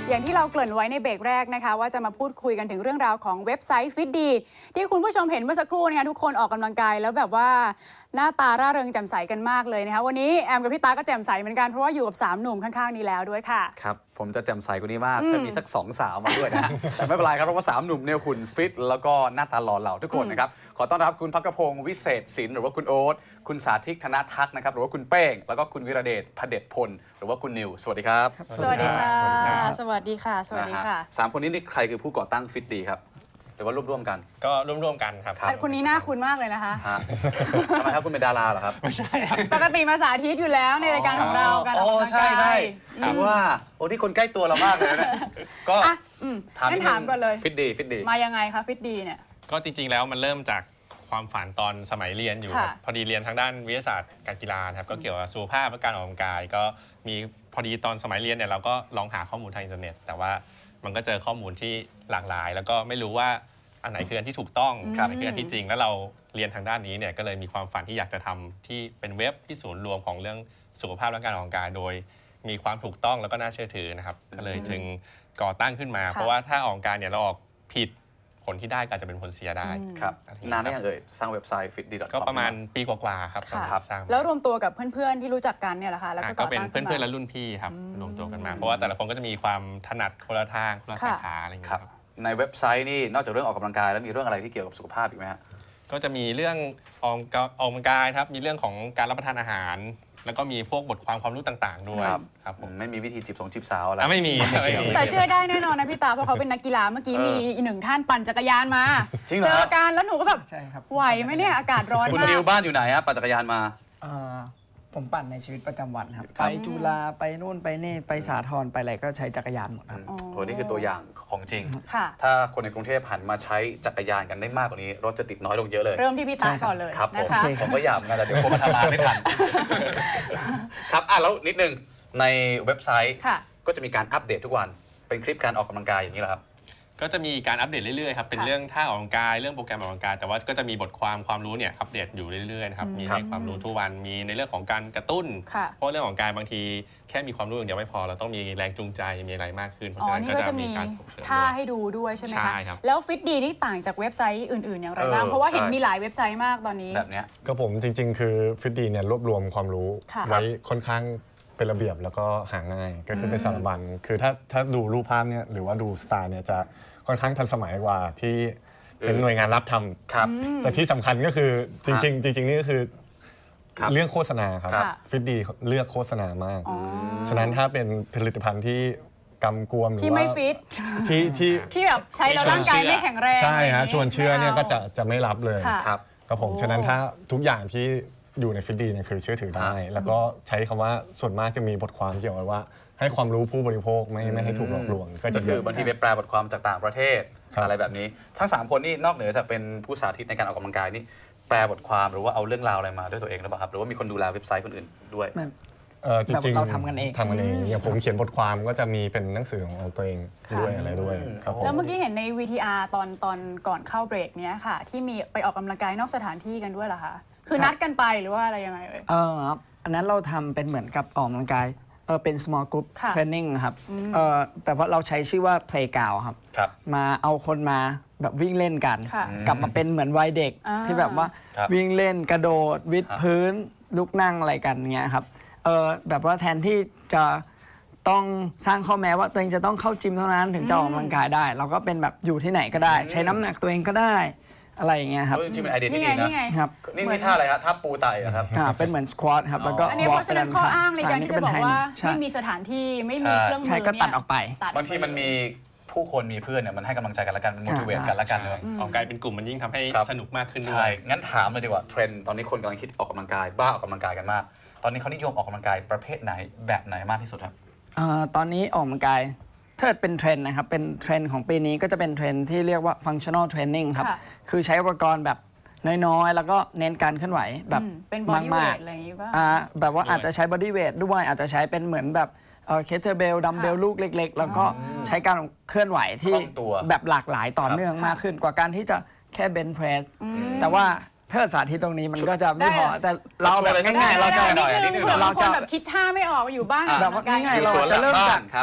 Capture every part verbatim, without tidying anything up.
อย่างที่เราเกริ่นไว้ในเบรกแรกนะคะว่าจะมาพูดคุยกันถึงเรื่องราวของเว็บไซต์ฟิตดีที่คุณผู้ชมเห็นเมื่อสักครู่นะคะทุกคนออกกำลังกายแล้วแบบว่าหน้าตาร่าเริงแจ่มใสกันมากเลยนะคะวันนี้แอมกับพี่ตาก็แจ่มใสเหมือนกันเพราะว่าอยู่กับสามหนุ่มข้างๆนี้แล้วด้วยค่ะครับผมจะแจ่มใสกว่านี้มากถ้ามีสักสองสาวมาด้วยนะ แต่ไม่เป็นไรครับเพราะว่าสามหนุ่มเนี่ยหุ่นฟิตแล้วก็หน้าตาหล่อเหลาทุกคนนะครับขอต้อนรับคุณภักพงศ์วิเศษศิลป์หรือว่าคุณโอ๊ตคุณสาธิตธนทักษ์นะครับหรือว่าคุณเป้งแล้วก็คุณวิระเดชพเดชพลหรือว่าคุณนิวสวัสดีครับสวัสดีค่ะสวัสดีค่ะสวัสดีค่ะสามคนนี้นี่ใครคือผู้ก่อตั้งฟิตดีครับหรือว่าร่วมๆกันก็ร่วมๆกันครับคนนี้น่าคุ้นมากเลยนะคะทำไมครับคุณเป็นดาราเหรอครับไม่ใช่ปกติมาสาธิตอยู่แล้วในรายการของเราการออกกำลังกายใช่ใช่คือว่าโอ้ที่คนใกล้ตัวเรามากเลยนะก็งั้นถามก่อนเลยฟิตดีฟิตดีมายังไงคะฟิตดีเนี่ยก็จริงๆแล้วมันเริ่มจากความฝันตอนสมัยเรียนอยู่ครับพอดีเรียนทางด้านวิทยาศาสตร์การกีฬาครับก็เกี่ยวกับสุขภาพและการออกกำลังกายก็มีพอดีตอนสมัยเรียนเนี่ยเราก็ลองหาข้อมูลทางอินเทอร์เน็ตแต่ว่ามันก็เจอข้อมูลที่หลากหลายแล้วก็ไม่รู้ว่าอันไหนคืออันที่ถูกต้องอันไหนคืออันที่จริงแล้วเราเรียนทางด้านนี้เนี่ยก็เลยมีความฝันที่อยากจะทำที่เป็นเว็บที่ศูนย์รวมของเรื่องสุขภาพและการออกกำลังกายโดยมีความถูกต้องแล้วก็น่าเชื่อถือนะครับก็เลยจึงก่อตั้งขึ้นมาเพราะว่าถ้าออกกำลังกายเนี่ยเราออกผิดผลที่ได้ก็อาจจะเป็นผลเสียได้ครับนานได้ยังเอ่ยสร้างเว็บไซต์ ฟิตดี ดอท คอมก็ประมาณปีกว่าๆครับสร้างแล้วรวมตัวกับเพื่อนๆที่รู้จักกันเนี่ยแหละค่ะแล้วก็เป็นเพื่อนๆและรุ่นพี่ครับรวมตัวกันมาเพราะว่าแต่ละคนก็จะมีความถนัดคนละทางคนละสาขาอะไรอย่างเงี้ยครับในเว็บไซต์นี่นอกจากเรื่องออกกำลังกายแล้วมีเรื่องอะไรที่เกี่ยวกับสุขภาพอีกไหมฮะก็จะมีเรื่องออกกำลังกายครับมีเรื่องของการรับประทานอาหารแล้วก็มีพวกบทความความรู้ต่างๆด้วยครับผมไม่มีวิธีจีบสงจีบสาวอะไรไม่มีแต่เชื่อได้แน่นอนนะพี่ตาเพราะเขาเป็นนักกีฬาเมื่อกี้มีอีกหนึ่งท่านปั่นจักรยานมาเจอกันแล้วหนูก็แบบไหวไหมเนี่ยอากาศร้อนมากคุณดิวบ้านอยู่ไหนฮะปั่นจักรยานมาผมปั่นในชีวิตประจำวันครับไปจุฬาไปนู่นไปนี่ไปสาทรไปอะไรก็ใช้จักรยานหมดครับโหนี่คือตัวอย่างของจริงถ้าคนในกรุงเทพหันมาใช้จักรยานกันได้มากกว่านี้รถจะติดน้อยลงเยอะเลยเริ่มที่พี่ตาก่อนเลยครับผมผมก็อยากนะแต่เดี๋ยวผมมาทำงานไม่ทันครับอ่ะแล้วนิดนึงในเว็บไซต์ก็จะมีการอัปเดตทุกวันเป็นคลิปการออกกำลังกายอย่างนี้เหรอครับก็จะมีการอัปเดตเรื่อยๆครับเป็นเรื่องท่าออกกำลังกายเรื่องโปรแกรมออกกำลังกายแต่ว่าก็จะมีบทความความรู้เนี่ยอัปเดตอยู่เรื่อยๆนะครับมีให้ความรู้ทุกวันมีในเรื่องของการกระตุ้นเพราะเรื่องของการบางทีแค่มีความรู้อย่างเดียวไม่พอเราต้องมีแรงจูงใจมีอะไรมากขึ้นเพราะฉะนั้นก็จะมีการส่งเสริมท่าให้ดูด้วยใช่ไหมคะใช่ครับแล้วฟิตดีนี่ต่างจากเว็บไซต์อื่นๆอย่างไรบ้างเพราะว่าเห็นมีหลายเว็บไซต์มากตอนนี้แบบนี้ก็ผมจริงๆคือฟิตดีเนี่ยรวบรวมความรู้ไว้ค่อนข้างเป็นระเบียบแล้วก็หาง่ายก็คือเป็นสารบัญคือถ้าถ้าดูรูปภาพเนี่ยหรือว่าดูสไตล์เนี่ยจะค่อนข้างทันสมัยกว่าที่เป็นหน่วยงานรับทำแต่ที่สำคัญก็คือจริงๆจริงๆนี่ก็คือเรื่องโฆษณาครับฟิตดีเลือกโฆษณามากฉะนั้นถ้าเป็นผลิตภัณฑ์ที่กำกวมหรือว่าที่ไม่ฟิตที่ที่ที่แบบใช้แล้วร่างกายไม่แข็งแรงใช่ฮะชวนเชื่อเนี่ยก็จะจะไม่รับเลยครับผมฉะนั้นถ้าทุกอย่างที่อยู่ในฟิตดีเนี่ยคือเชื่อถือได้แล้วก็ใช้คำว่าส่วนมากจะมีบทความเกี่ยวกับว่าให้ความรู้ผู้บริโภคไม่ไม่ให้ถูกหลอกลวงก็จะคือบางทีไปแปลบทความจากต่างประเทศอะไรแบบนี้ทั้งสามคนนี่นอกเหนือจากเป็นผู้สาธิตในการออกกำลังกายนี่แปลบทความหรือว่าเอาเรื่องราวอะไรมาด้วยตัวเองหรือเปล่าครับหรือว่ามีคนดูแลเว็บไซต์คนอื่นด้วยจริงๆเราทำกันเองทำกันเองอย่างผมเขียนบทความก็จะมีเป็นหนังสือของตัวเองด้วยอะไรด้วยครับผมแล้วเมื่อกี้เห็นใน วี ที อาร์ ตอนตอนก่อนเข้าเบรกเนี้ยค่ะที่มีไปออกกำลังกายนอกสถานที่กันด้วยเหรอคะคือนัดกันไปหรือว่าอะไรยังไงเอ่ยเออครับอันนั้นเราทำเป็นเหมือนกับออกกำลังกายเออเป็น small group training ครับเออแต่ว่าเราใช้ชื่อว่า playground ครับมาเอาคนมาแบบวิ่งเล่นกันกลับมาเป็นเหมือนวัยเด็กที่แบบว่าวิ่งเล่นกระโดดวิดพื้นลุกนั่งอะไรกันเงี้ยครับเออแบบว่าแทนที่จะต้องสร้างข้อแม้ว่าตัวเองจะต้องเข้าจิมเท่านั้นถึงจะออกกำลังกายได้เราก็เป็นแบบอยู่ที่ไหนก็ได้ใช้น้ำหนักตัวเองก็ได้อะไรอย่างเงี้ยครับจริงๆเป็นไอเดียที่ดีนะครับนี่นี่ท่าอะไรครับท่าปูไต่ครับเป็นเหมือนสควอตครับแล้วก็อันนี้เพราะฉะนั้นข้ออ้างในการที่จะบอกว่าไม่มีสถานที่ไม่มีเครื่องมือใช่ก็ตัดออกไปบางทีมันมีผู้คนมีเพื่อนเนี่ยมันให้กำลังใจกันละกันมัน motivate กันละกันเลยออกกำลังกายเป็นกลุ่มมันยิ่งทำให้สนุกมากขึ้นด้วยใช่งั้นถามเลยดีกว่าเทรนด์ตอนนี้คนกำลังคิดออกกำลังกายบ้าออกกำลังกายกันมากตอนนี้เขานิยมออกกำลังกายประเภทไหนแบบไหนมากที่สุดครับตอนนี้ออกกำลังกายถ้าเป็นเทรนด์นะครับเป็นเทรนด์ของปีนี้ก็จะเป็นเทรนด์ที่เรียกว่า functional training ครับคือใช้อุปกรณ์แบบน้อยๆแล้วก็เน้นการเคลื่อนไหวแบบมากๆอะไรอย่างนี้ป่ะแบบว่าอาจจะใช้ body weight ด้วยอาจจะใช้เป็นเหมือนแบบเคเทอร์เบลดัมเบลลูกเล็กๆแล้วก็ใช้การเคลื่อนไหวที่แบบหลากหลายต่อเนื่องมากขึ้นกว่าการที่จะแค่เบนช์เพรสแต่ว่าถ้าสาธิตตรงนี้มันก็จะไม่พอแต่เราแบบง่ายๆเราจะเราจะแบบคิดท่าไม่ออกอยู่บ้านแบบง่ายๆเราจะเริ่มจาก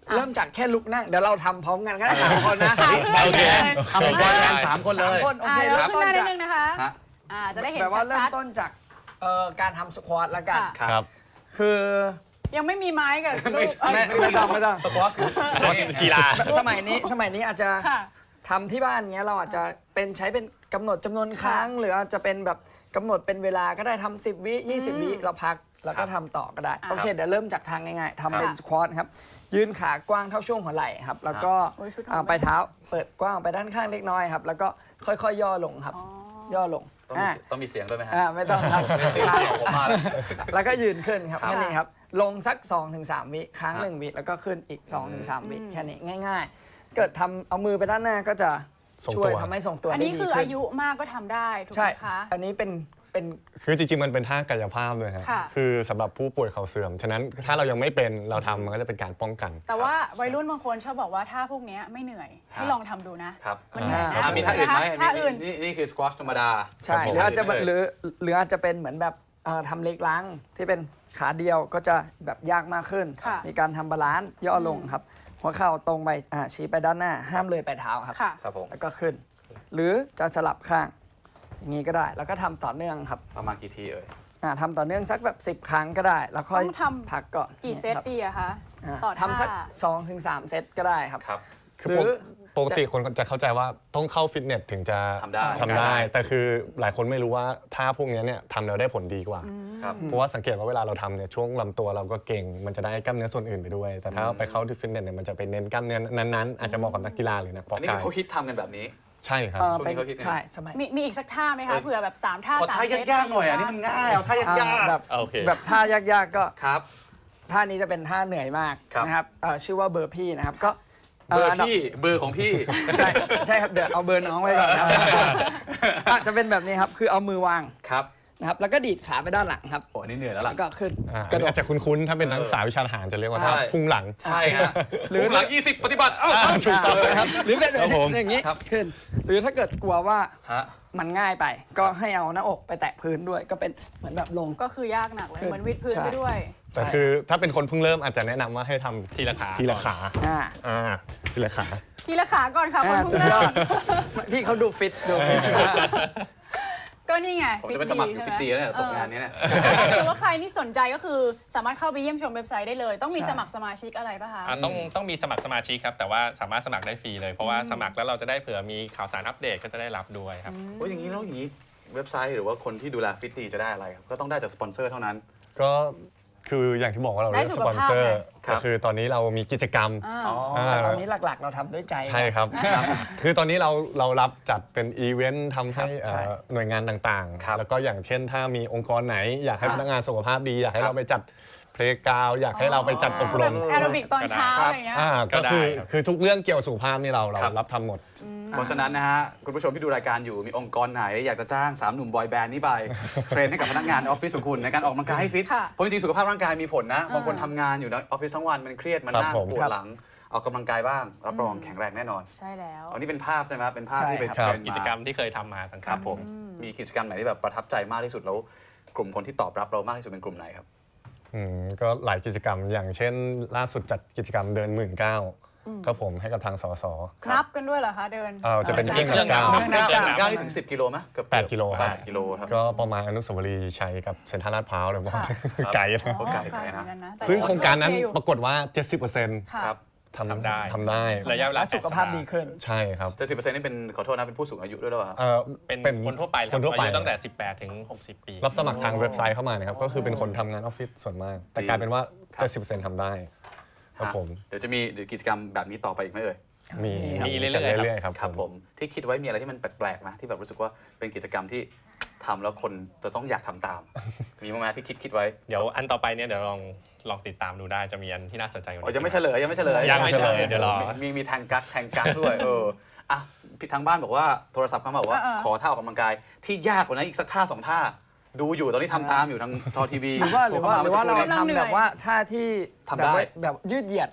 เริ่มจากแค่ลุกนั่งเดี๋ยวเราทำพร้อมกันก็ได้สามคนนะโอเคทำพร้อมกันสามคนเลสามยคนโออ่าเคเดี๋ยวเริ่มขึ้นต้หนน้านิดจากนึงนะคะฮะอ่าจะได้เห็นแบบว่าเริ่ชัมดต้นจากเอ่อการทำสควอตละกันค่ะครับคือๆยังไม่มีไม้กับลูกไม่ใช่เอ้ยไม่ไม่ต้องไม่ต้องสควอชสปอร์ตกีฬาสมัยนี้สมัยนี้อาจจะค่ะทำที่บ้านเงี้ยเราอาจจะเป็นใช้เป็นกำหนดจำนวนครั้ง หรืออาจจะเป็นแบบกำหนดเป็นเวลาก็ได้ทำสิบวิยี่สิบวิเราพักแล้วก็ทำต่อก็ได้อ่าโอเคเดี๋ยวเริ่มจากทางง่ายๆทำเป็นค่ะสควอตครับยืนขากว้างเท่าช่วงหัวไหล่ครับแล้วก็โอ้ยชุดหอมอ่าไปเท้าเปิดกว้างไปด้านข้างเล็กน้อยครับแล้วก็ค่อยๆย่อลงครับย่อลงต้องมีอ่าต้องมีเสียงด้วยไหมฮะอ่าไม่ต้องครับเสียงเสียงผมมาแล้วแล้วก็ยืนขึ้นครับครับแค่นี้ครับลงสัก สองถึงสาม วิค้างหนึ่งวิแล้วก็ขึ้นอีก สองถึงสาม วิแค่นี้ง่ายๆ เกิดทำเอามือไปด้านหน้าก็จะทรงช่วตัยว ทำให้ทรงตัวอันได้นี้ดีคือขึ้อาน ยุมากก็ทำได้ถูกใช่ไหมคะอันนี้เป็นเป็นคือจริงๆมันเป็นท่ากายภาพเลยฮะค่ะคือสำหรับผู้ป่วยเข่าเสื่อม ฉะนั้นถ้าเรายังไม่เป็นเราทำมันก็จะเป็นการป้องกันแต่ว่าวัยรุ่นบางคนชอบบอกว่าท่าพวกเนี้ยไม่เหนื่อย ให้ลองทำดูนะครับมันเหนื่อยนะอ่ะมีท่าอื่นไหมท่าอื่นนี่นี่คือสควอชธรรมดาใช่ครับผมหรืออาจจะเลยหรือหรืออาจจะเป็นเหมือนแบบเอ่อทำเล็กล้างที่เป็นขาเดียวก็จะแบบยากมากขึ้นค่ะมีการทำบาลานซ์ย่อลงครับหัวเข่าตรงไปอ่าชี้ไปด้านหน้า ห้ามเลยไปเท้าครับค่ะครับผมแล้วก็ขึ้น หรือจะสลับข้าง อย่างนี้ก็ได้ แล้วก็ทำต่อเนื่องครับประมาณกี่ทีเอ่ยอ่าทำต่อเนื่องสักแบบ สิบ ครั้งก็ได้ แล้วค่อยต้องทำพักก่อนกี่เซตครับดีอะคะอ่าต่อท่าทำสักสองถึงสามเซตก็ได้ครับครับคือหรือปกติคนจะเข้าใจว่าต้องเข้าฟิตเนสถึงจะทำได้ทำได้ แต่คือหลายคนไม่รู้ว่าท่าพวกนี้เนี่ยทำแล้วได้ผลดีกว่าครับเพราะว่าสังเกตว่าเวลาเราทำเนี่ยช่วงลำตัวเราก็เก่ง มันจะได้กล้ามเนื้อส่วนอื่นไปด้วย แต่ถ้าไปเข้าที่ฟิตเนสเนี่ยมันจะไปเน้นกล้ามเนื้อนั้นๆอาจจะเหมาะกับนักกีฬาหรือนักเพาะอันนี้กายเขาฮิตทำกันแบบนี้ใช่ครับเอ่อช่วงเป็นนี้เขาคิดไงใช่สมัยมีมีอีกสักท่าไหมคะเผื่อแบบสามท่าขอสามท่าเซตยากๆหน่อยอ่ะนี่มันง่ายเอาท่ายากอ่าแบบโอเคแบบท่ายากๆก็ๆครับท่านี้จะเป็นท่าเหนื่อยมากครับนะครับเอ่อชื่อว่าเบอร์พี่นะครับก็เบอร์นดัพี่เบอร์ของพี่ใช่ใช่ครับเดี๋ยวเอาเบอร์น้องไว้ก่อนนะครับอ่ะจะเป็นแบบนี้ครับคือเอามือวางครับนะครับแล้วก็ดีดขาไปด้านหลังครับโอ้อันนี่เหนื่อยแล้วล่ะแล้วก็ขึ้นอ่ากระโดดอาจจะคุ้นๆ ถ้าเป็นนักศึกษาวิชาทหารจะเรียกว่าท่าใช่พุ่งหลังใช่ฮะหรือหลังยี่สิบปฏิบัติเอ้าถูกต้องเลยครับหรือเป็นครับผมอย่างนี้ครับขึ้น หรือถ้าเกิดกลัวว่าฮะมันง่ายไป ก็ให้เอาหน้าอกไปแตะพื้นด้วย ก็เป็นเหมือนแบบลงก็คือยากหนักเลยขึ้นเหมือนวิดพื้นใช่ไปด้วยแต่คือถ้าเป็นคนเพิ่งเริ่มอาจจะแนะนำว่าให้ทำทีละขาทีละขาอ่าอ่าทีละขาทีละขาก่อนค่ะคนอ่าเพิ่สุงดยเริ่อมดพี่เขาดูฟิตดูฟิตก็นี่ไงผมจะไปสมัครอยู่ฟิตดีแล้วเนี่ยตกงานนี้เนี่ยหรือว่าใครที่สนใจก็คือสามารถเข้าไปเยี่ยมชมเว็บไซต์ได้เลย ต้องมีใช่สมัครสมาชิกอะไรป่ะคะอ่ะต้องต้องมีสมัครสมาชิกครับ แต่ว่าสามารถสมัครได้ฟรีเลย เพราะว่าสมัครแล้วเราจะได้เผื่อมีข่าวสารอัปเดตก็จะได้รับด้วยครับโอ้ยอย่างนี้แล้วอย่างนี้เว็บไซต์หรือว่าคนที่ดูแลฟิตดีจะได้อะไรครับก็ต้องได้จากสปอนเซอร์เท่านั้นก็คืออย่างที่บอกว่าเราได้เลือกสุสขปอนภาพเซอร์ไงครับก็คือตอนนี้เรามีกิจกรรมอ่าอ๋ออ่าแต่ตอนนี้หลักๆ เราทำด้วยใจใช่ครับ คือตอนนี้เราเรารับจัดเป็นอีเวนต์ทำให้ครับใช่เอ่อหน่วยงานต่างครับๆ แล้วก็อย่างเช่นถ้ามีองค์กรไหน อยากให้ครับพนักงานสุขภาพดี อยากให้ครับเราไปจัดเพลงกาวอยากให้เราไปจัดอบรมแอโรบิกตอนเช้าครับอะไรอย่างเงี้ยอ่าก็ก็ได้คือครับคือทุกเรื่องเกี่ยวกับสุขภาพนี่เราเราครับรับทำหมดเพราะฉะนั้นนะฮะคุณผู้ชมที่ดูรายการอยู่มีองค์กรไหน อยากจะจ้างสามหนุ่มบอยแบนด์นี้ไป เทรนให้กับพนักงานในออฟฟิศของคุณในการออกกำลังกายให้ฟิตค่ะเพราะจริงๆสุขภาพร่างกายมีผลนะบางคนทำงานอยู่ในออฟฟิศทั้งวันมันเครียดมันครับนั่งผมปวดหลังออกกำลังกายบ้างรับรองแข็งแรงแน่นอนใช่แล้วอันนี้เป็นภาพใช่ไหมครับเป็นภาพใช่ที่ไปครับเทรนมากิจกรรมที่เคยทำมาต่างๆครับผมมีกิจกรรมไหนที่แบบประทับใจมากที่สุดแล้วกลุ่มคนที่ตอบรับเรามากที่สุดเป็นกลุ่มไหนครับอืมก็หลายกิจกรรมอย่างเช่น ล่าสุดจัดกิจกรรมเดินหมื่นเก้าก็ผมให้กับทางสสนับกันด้วยเหรอคะเดินเอ่อจะเป็นเครื่องเครื่องเก้านับเก้าเก้านี่ถึงสิบกิโลไหมเกือบแปดกิโลครับแปดกิโลครับก็ประมาณอนุสาวรีย์ชัยกับเซ็นทรัลลาดพร้าวเลยว่าไกลนะโอ้ไกลไกลนะเหมือกัแต่ซึ่งโครงการนั้นโอเคอยู่ปรากฏว่า เจ็ดสิบเปอร์เซ็นต์ค่ะครับทำทำได้ทำได้ระยะเวลาแล้วสุขภาพดีขึ้นใช่ครับเจ็ดสิบเปอร์เซ็นต์นี่เป็นขอโทษนะเป็นผู้สูงอายุด้วยหรือเปล่าครับเอ่อเป็นคนทั่วไปเลยคนทั่วไปอายุตั้งแต่ สิบแปด ถึง หกสิบ ปีรับสมัครทางเว็บไซต์เข้ามานะครับ ก็คือเป็นคนทำงานออฟฟิศส่วนมาก แต่กลายเป็นว่าครับเจ็ดสิบเปอร์เซ็นต์ทำได้ครับผมเดี๋ยวจะมีกิจกรรมแบบนี้ต่อไปอีกไหมเอ่ยมีมีเรื่อยๆจัดครับเรื่อยๆครับครับผมที่คิดไว้มีอะไรที่มันแปลกๆไหมที่แบบรู้สึกว่าเป็นกิจกรรมที่ทำแล้วคนจะต้องอยากทำตาม มีมั้ยไหมที่คิดคิดไว้เดี๋ยวอันต่อไปเนี่ยเดี๋ยวลองลองติดตามดูได้จะมีอันที่น่าสนใจกว่าอ๋อนี้ยังไม่เฉลยยังไม่เฉลยยังไม่เฉลยเดี๋ยวรอมีมีแทงกักแทงกักด้วยเอออ่ะพี่ทางบ้านบอกว่าโทรศัพท์เข้ามาบอกว่าเออขอท่าออกกำลังกายที่ยากกว่านั้นอีกสักท่าสองท่า ดูอยู่ตอนนี้ทำตามอยู่ทางจอทีวีหรือว่าหรือว่าหรือว่าเราโทเข้มกำลังเหนื่อยทำแบบว่าท่าที่ทำได้แบบว่าแบบยืดเหยียด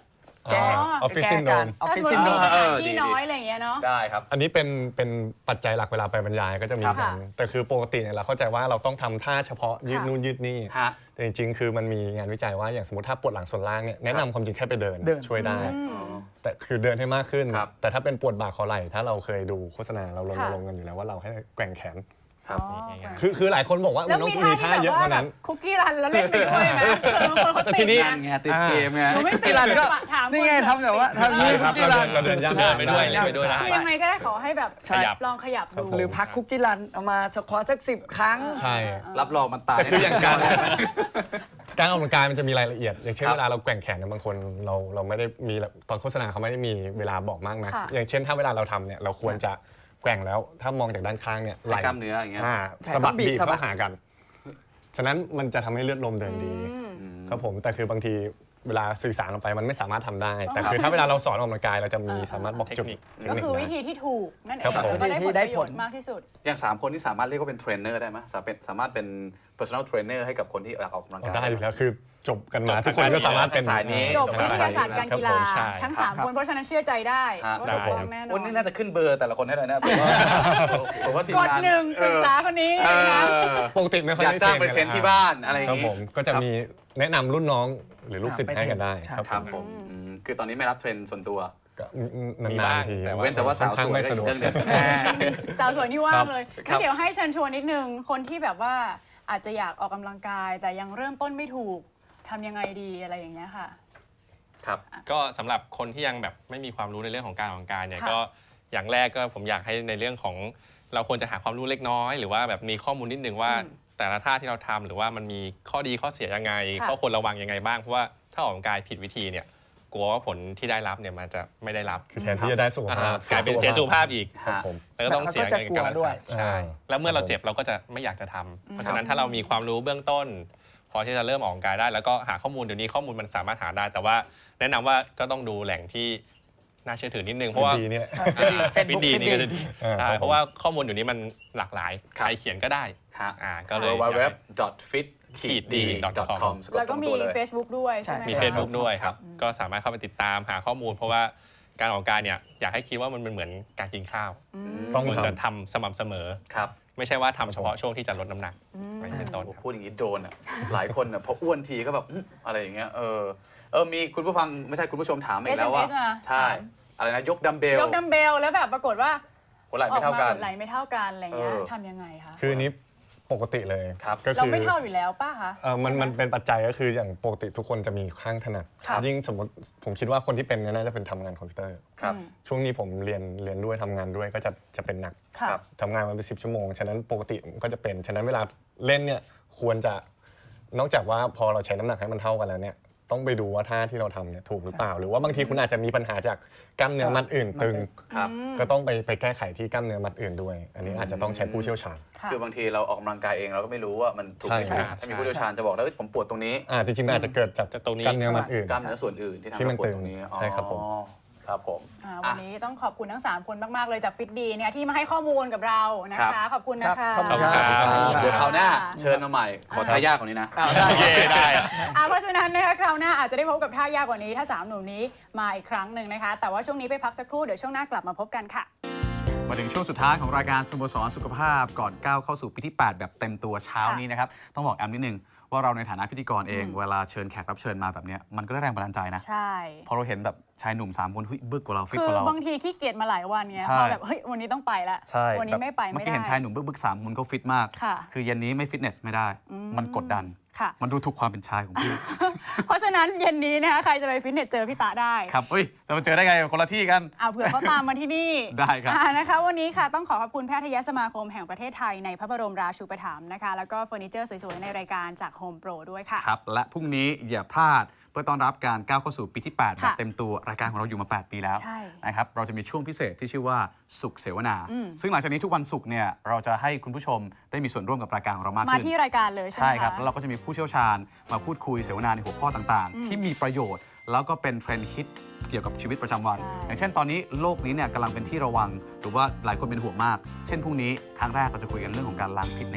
แก้อ๋อ Office แก้การ Syndrome ออฟถ้าฟิสศมมซิตินโดรมีมสถานเออดีที่ๆน้อยอะไรอย่างเงี้ยเนาะได้ครับอันนี้เป็นเป็นปัจจัยหลักเวลาไปบรรยายก็จะมีค่ะกันแต่คือปกติเนี่ยเราเข้าใจว่าเราต้องทำท่าเฉพาะยืดค่ะนู่นยืดนี่ฮะแต่จริงๆ คือมันมีงานวิจัยว่าอย่างสมมติถ้าปวดหลังส่วนล่างเนี่ยแนะนำความจริงแค่ไปเดินเดินช่วยได้ แต่คือเดินให้มากขึ้นครับแต่ถ้าเป็นปวดบ่าคอไหล่ถ้าเราเคยดูโฆษณาเราลงค่ะลงกันอยู่แล้วว่าเราให้แกว่งแขนครับอ๋อง่ายๆคือคือหลายคนบอกว่าแล้วมันต้องมีมีท่าท่าที่เยแบบอะว่าเท่าแบนั้บนคุกกี้รันแล้วเล่นไปด้วยไหมเผื่อบางคนเขาแต่ติทีดนี้ไงนั่นไงติดเกมไงหนูไม่ติกีดฬาก็ถามนี่ไงทำแบบว่าทำใช่ยืดครับกีเราฬาเดินเราเดินย่างเดินไปด้วยเล่นไปด้วยได้คือยังไงก็ได้ขอให้แบบขยับลองขยับดูหรือพักคุกกี้รันเอามาสควอตสักสิบครั้งใช่รับรองมันตายแต่คืออย่างการ การออกกำลังกายมันจะมีรายละเอียด อย่างเช่นครับเวลาเราแกว่งแขนเนี่ยบางคนเราเราไม่ได้มีตอนโฆษณาเขาไม่ได้มีเวลาบอกมากนะค่ะอย่างเช่นถ้าเวลาเราทำเนี่ยเราควรจะแกว่งแล้วถ้ามองจากด้านข้างเนี่ยไหลให้กล้ามเนื้ออย่างเงี้ยอ่าใช่สะบัดต้องบีบีบบ สะบัดเข้าหากัน ฉะนั้นมันจะทำให้เลือดลมเดินดีครับผมแต่คือบางทีเวลาสื่อสารออกไปมันไม่สามารถทำได้ แต่คือถ้าเวลาเราสอนออกกำลังกายเราจะมีสามารถบอกจุดเทคนิคเทก็นิคือได้วิธีที่ถูกนั่นเอครับงผมแล้วก็ได้ผลได้ประโยผชลน์มากที่สุดอย่างสามคนที่สามารถเรียกว่าเป็นเทรนเนอร์ได้ไหมสามารถเป็นสามารถเป็น personal trainer ให้กับคนที่อยากออกกำลังกายได้อยู่แล้วคือจบกันมาจบทุกคนก็สามารถเป็นสายนี้จบวิทยาศาสตร์การกีฬาใช่ทั้งครับสามคนเพราะฉะนั้นเชื่อใจได้ฮะว่าได้ถูกต้องแน่นอวันนนี้น่าจะขึ้นเบอร์แต่ละคนให้เลยนะผมว่าผมว่าทีมกดงานหนึ่งปรึกษาเอคนนี้อนะคะเออปกติไม่ค่อยอยากได้จ้างไปกัเทรนที่บ้านอะไรอย่าครับงผนี้มก็จะมีแนะนำรุ่นน้องหรือลูกศิษย์ไปให้กันได้ใช่ครับครับผมอืมคือตอนนี้ไม่รับเทรนส่วนตัวก็มีนาบ้าน งๆทีแต่เว้นแต่ว่าสาวสวยไม่ได้สะดวกเรื่องเดียวสาวสวยนี่ว่างเลยครับงั้นเดี๋ยวให้เชิญชวนนิดนึง คนที่แบบว่าอาจจะอยากออกกำลังกาย แต่ยังเริ่มต้นไม่ถูกทำยังไงดีอะไรอย่างเงี้ยค่ะครับก็สำหรับคนที่ยังแบบไม่มีความรู้ในเรื่องของการออกกำลังกายเนี่ยค่ะก็อย่างแรกก็ผมอยากให้ในเรื่องของเราควรจะหาความรู้เล็กน้อย หรือว่าแบบมีข้อมูลนิดนึงว่าอืมแต่ละท่าที่เราทำหรือว่ามันมีข้อดีข้อเสียยังไงค่ะข้อควรระวังยังไงบ้างเพราะว่าถ้าออกกำลังกายผิดวิธีเนี่ยกลัวว่าผลที่ได้รับเนี่ยมันจะไม่ได้รับคือแทนที่จะได้สุขภาพกลายเป็นเสียสุขภาพอีกครับผมแล้วก็ต้องเสียเงินกับการรักแล้วก็จะกลัวด้วยษาใช่ แล้วเมื่อเราเจ็บเราก็จะไม่อยากจะทำเพราะฉะนั้นถ้าเรามีความรู้เบื้องต้น พอที่จะเริ่มออกกำลังกายได้ แล้วก็หาข้อมูลเดี๋ยวนี้ข้อมูลมันสามารถหาได้ แต่ว่าแนะนำว่าก็ต้องดูแหล่งที่น่าเชื่อถือนิดนึงเพราะว่าดีเนี่ยฟิตดีนี่ก็จะดีเออใช่ครับผมเพราะว่าข้อมูลอยู่นี้มันหลากหลายใครเขียนก็ได้ฮะอ่าก็เลย w w w f i t ขีดดี com แล้วก็มี Facebook ด้วยใช่ไหมมีคะ Facebook ด้วยครับ ก็สามารถเข้าไปติดตามหาข้อมูล เพราะว่าการออกกำลังกายเนี่ยอยากให้คิดว่ามันเป็นเหมือนการกินข้าวต้องควรทจะทำสม่ำเสมอครับไม่ใช่ว่าทำเฉพาะช่วงที่จะลดน้ำหนักไม่เป็นต้นโอ้ครับพูดอย่างนี้โดนอ่ะ หลายคนอ่ะพออ้วนทีก็แบบอื้ออะไรอย่างเงี้ยเออเออมีคุณผู้ฟังไม่ใช่คุณผู้ชมถามมาอีกแล้วว่าเอส เอ็ม เอส มาใช่ถามอะไรนะยกดัมเบลยกดัมเบลแล้วแบบปรากฏว่าหัวไหล่ออไม่กเท่ามากันหมดไหลไม่เท่ากันอะไรเงี้ยเออทำยังไงคะำคืออันนี้ปกติเลยครับก็เราคือไม่เท่าอยู่แล้วป้าคะเออมันมันเป็นปัจจัยก็คืออย่างปกติทุกคนจะมีข้างถนัดครับยิ่งสมมติผมคิดว่าคนที่เป็นเนี่ยน่าจะเป็นทำงานคอมพิวเตอร์ครับช่วงนี้ผมเรียนเรียนด้วยทำงานด้วยก็จะจะเป็นหนักค่ะครับทำงานมาเป็นสิบชั่วโมง ฉะนั้นปกติก็จะเป็น ฉะนั้นเวลาเล่นเนี่ยควรจะนอกจากว่าพอเราใช้น้ำหนักให้มันเท่ากันแล้วเนี่ยต้องไปดูว่าท่าที่เราทำเนี่ยถูกหรือเปล่า หรือว่าบางทีคุณอาจจะมีปัญหาจากกล้ามเนื้อมัดอื่นตึงครับก็ต้องไปไปแก้ไขที่กล้ามเนื้อมัดอื่นด้วย อันนี้อาจจะต้องใช้ผู้เชี่ยวชาญค่ะคือบางทีเราออกกำลังกายเองเราก็ไม่รู้ว่ามันถูกไม่ใช่ถูกครับถ้ามีผู้เชี่ยวชาญจะบอกแล้วเอ้ยผมปวดตรงนี้อ่าจริงๆมันอาจจะเกิดจากจากตรงนี้กล้ามเนื้อมัดอื่นกล้ามเนื้อส่วนอื่นที่ทำที่ให้มันปวดตึงตรงนี้ใช่ครับผมอ๋อครับผมอ่าอ่ะวันนี้ต้องขอบคุณทั้ง สาม คนมาก ๆ เลยจากฟิตดีเนี่ยที่มาให้ข้อมูลกับเรานะครัคะบขอบคุณนะคะครับขอบขอบคุณครับเดี๋ยวคราวหน้าเชิญมาใหม่ ขอทายากกว่านี้นะอ้าวได้เย่ได้อะอ่าเพราะฉะนั้นนะคะคราวหน้าอาจจะได้พบกับท่ายากกว่านี้ถ้าสามหนุ่มนี้มาอีกครั้งหนึ่งนะคะ แต่ว่าช่วงนี้ไปพักสักครู่เดี๋ยวช่วงหน้ากลับมาพบกันค่ะมาถึงช่วงสุดท้ายของรายการสโมสรสุขภาพก่อนก้าวเข้าสู่ปีที่ แปด แบบเต็มตัวเช้านี้นะครับ ต้องบอกแอมนิดนึงว่าเราในฐานะพิธีกรเอง เวลาเชิญแขกรับเชิญมาแบบเนี้ยมันก็ได้แรงบันดาลใจนะใช่พอเราเห็นแบบชายหนุ่มสามคนเฮ้ยบึกกว่าเราฟิตคืกอว่าเราบางทีขี้เกียจมาหลายวันเงี้ยใช่พอแบบเฮ้ยวันนี้ต้องไปละใช่วันนี้ไม่ไปเมื่อไม่กี้ได้เห็นชายหนุ่มบึกบึกๆสามคนก็ฟิตมากค่ะคือเย็นนี้ไม่ฟิตเนสไม่ได้ มันกดดันค่ะมันดูถูกความเป็นชายของพี่เพราะฉะนั้นเย็นนี้นะคะใครจะไปฟิตเนสเจอพี่ตาได้ครับเฮ้ยจะมาเจอได้ไงคนละที่กันเอาเผื่อเขาตามมาที่นี่ได้ครับอ่านะคะ วันนี้ค่ะต้องขอขอบคุณแพทยสมาคมแห่งประเทศไทยในพระบรมราชูปถัมภ์นะคะ แล้วก็เฟอร์นิเจอร์สวยๆ ในรายการจาก Home Pro ด้วยค่ะครับและพรุ่งนี้อย่าพลาดเพื่อต้อนรับการก้าวเข้าสู่ปีที่ แปด แบบค่ะเต็มตัวรายการของเราอยู่มา แปด ปีแล้วใช่นะครับเราจะมีช่วงพิเศษที่ชื่อว่าสุขเสวนา ซึ่งหลังจากนี้ทุกวันศุกร์เนี่ยเราจะให้คุณผู้ชมได้มีส่วนร่วมกับรายการของเรามากมาขึ้นที่รายการเลยใช่ไหมใช่คะครับแล้วเราก็จะมีผู้เชี่ยวชาญมาพูดคุยเสวนาในหัวข้อต่างๆ ที่มีประโยชน์ แล้วก็เป็นเทรนด์ฮิตเกี่ยวกับชีวิตประจำวันใช่อย่างเช่นตอนนี้โลกนี้เนี่ยกำลังเป็นที่ระวัง หรือว่าหลายคนเป็นห่วงมาก เช่นพรุ่งนี้ครั้งแรกเราจะคุยกันเรื่องของการล้างพิษในตับ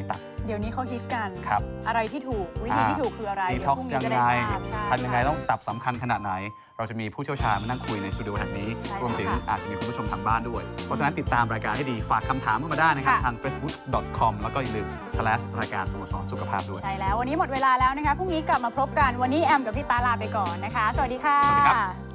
เดี๋ยวนี้เขาฮิตกันครับอะไรที่ถูกวิธีที่ถูกคืออะไรดีเดี๋ยวท็อกพรุ่งซ์นี้ยังจะไงได้ทราบใช่ทำยังไงต้องตับสำคัญขนาดไหน เราจะมีผู้เชี่ยวชาญมานั่งคุยในสตูดิโอแห่งนี้ใช่รวมถึงค่ะอาจจะมีคุณผู้ชมทางบ้านด้วย เพราะฉะนั้นติดตามรายการให้ดีฝากคำถามเข้ามาได้นะครับค่ะทาง เฟซบุ๊ก ดอท คอม แล้วก็อย่าลืม สแลช รายการสโมสรสุขภาพด้วยใช่แล้ววันนี้หมดเวลาแล้วนะคะพรุ่งนี้กลับมาพบกันวันนี้แอมกับพี่ตาลาไปก่อนนะคะ สวัสดีค่ะสวัสดีครับ